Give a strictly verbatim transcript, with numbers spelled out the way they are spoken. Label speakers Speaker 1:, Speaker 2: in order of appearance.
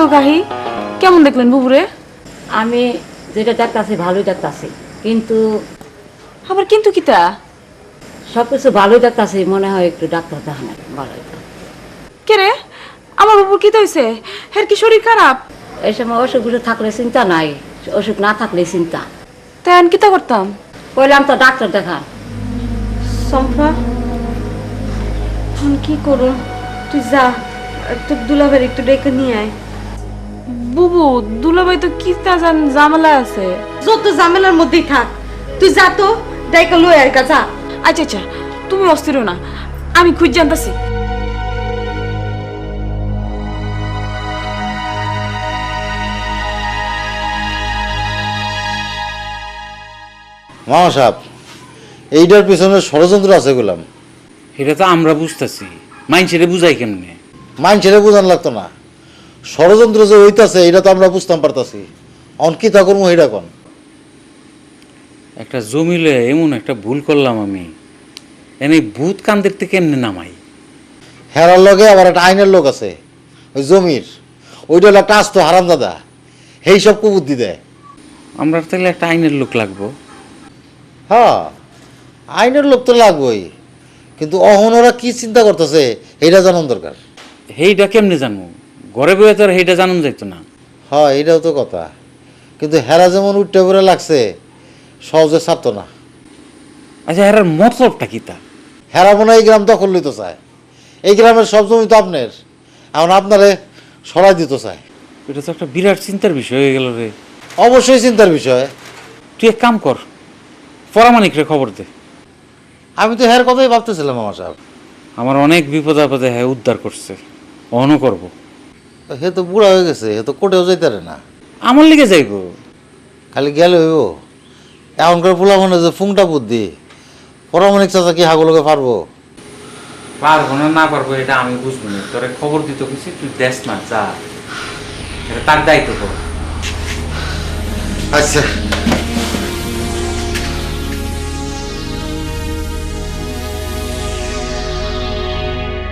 Speaker 1: গো কাহি, কেমন দেখলেন বুবুরে?
Speaker 2: আমি যেটা ডাক্তারছি ভালোই ডাক্তারছি, কিন্তু
Speaker 1: আবার কিন্তু কিতা?
Speaker 2: সব কিছু ভালোই ডাক্তারছি, মনে হয় একটু ডাক্তার দেখানো ভালো হইতো।
Speaker 1: কে রে, আমার বুবুর কিতা হয়েছে? হ্যাঁ কি শরীর খারাপ?
Speaker 2: এই সময় অসুখগুলো থাকলে চিন্তা নাই, অসুখ না থাকলে চিন্তা।
Speaker 1: তাই আমি কিতা করতাম?
Speaker 2: কইলাম তো ডাক্তার দেখান।
Speaker 1: সম্পা, এখন কি করুন? তুই যা, তোর দুলাভাই একটু ডেকে নিয়ে আয়। বুবু, দুলাভাই তো কিতা জান ঝামেলা আছে।
Speaker 3: যত ঝামেলার মধ্যেই থাক, তুই যা তো ডাইকা লই আর কা যা।
Speaker 1: আচ্ছা আচ্ছা, তুমি অস্থির হও না, আমি খুঁজ জানতাছি।
Speaker 4: মামা সাহেব, এইটার পিছনে ষড়যন্ত্র আছে গোলাম।
Speaker 5: এটা তো আমরা বুঝতেছি, মাইনছেরে বুঝাই কেমনে?
Speaker 4: মাইন ছেড়ে বোঝান লাগতো না, ষড়যন্ত্র যে হইতাছে এটা তো আমরা বুঝতাম পারতাছি। অন কি তা করবো এটা কন।
Speaker 5: একটা জমিলে এমন একটা ভুল করলাম আমি, এনে ভূত কান্দের থেকে কেমনে নামাই?
Speaker 4: হেরার লগে আবার একটা আইনের লোক আছে ওই জমির, ওইটা হলো একটা আস্ত হারাম দাদা, সেই সব কুবুদ্ধি দেয়।
Speaker 5: আমরা তাহলে একটা আইনের লোক লাগবো।
Speaker 4: হ্যাঁ, আইনের লোক তো লাগবেই, কিন্তু অহন ওরা কি চিন্তা করতেছে এটা জানান দরকার।
Speaker 5: সেইটা কেমনে জানবো? ঘরে বয়ে তো আর সেইটা জানুন যাইতো না।
Speaker 4: হ্যাঁ, এটাও তো কথা, কিন্তু হেরা যেমন উঠতে পড়ে লাগছে সহজে ছাড়তো না।
Speaker 5: আচ্ছা, এর মতলবটা কি তা?
Speaker 4: হেরা মনে হয় এই গ্রাম দখল নিতে চায়, এই গ্রামের সব জমি তো আপনার, এখন আপনারে সরাই দিতে চায়।
Speaker 5: এটা তো একটা বিরাট চিন্তার বিষয় হয়ে গেল রে।
Speaker 4: অবশ্যই চিন্তার বিষয়।
Speaker 5: তুই এক কাম কর, পরামানিক রে খবর দে।
Speaker 4: আমি তো হের কথাই ভাবতেছিলাম মামা সাহেব।
Speaker 5: আমার অনেক বিপদ আপদে হ্যাঁ উদ্ধার করছে, অহনও করবো।
Speaker 4: হে তো বুড়া হয়ে গেছে, হে তো কোটেও যাইতে পারে না,
Speaker 5: আমার লিগে যাইবো।
Speaker 4: খালি গেলে হইব। এখনকার পোলা মনে যে ফুংটা বুদ্ধি, পরামানিক চাচা কি হাগুলোকে পারবো?
Speaker 5: পারবো না না পারবো এটা আমি বুঝবো না, তোরে খবর দিতে কিছু তুই দেশ না যা, এটা তার দায়িত্ব কর।
Speaker 4: আচ্ছা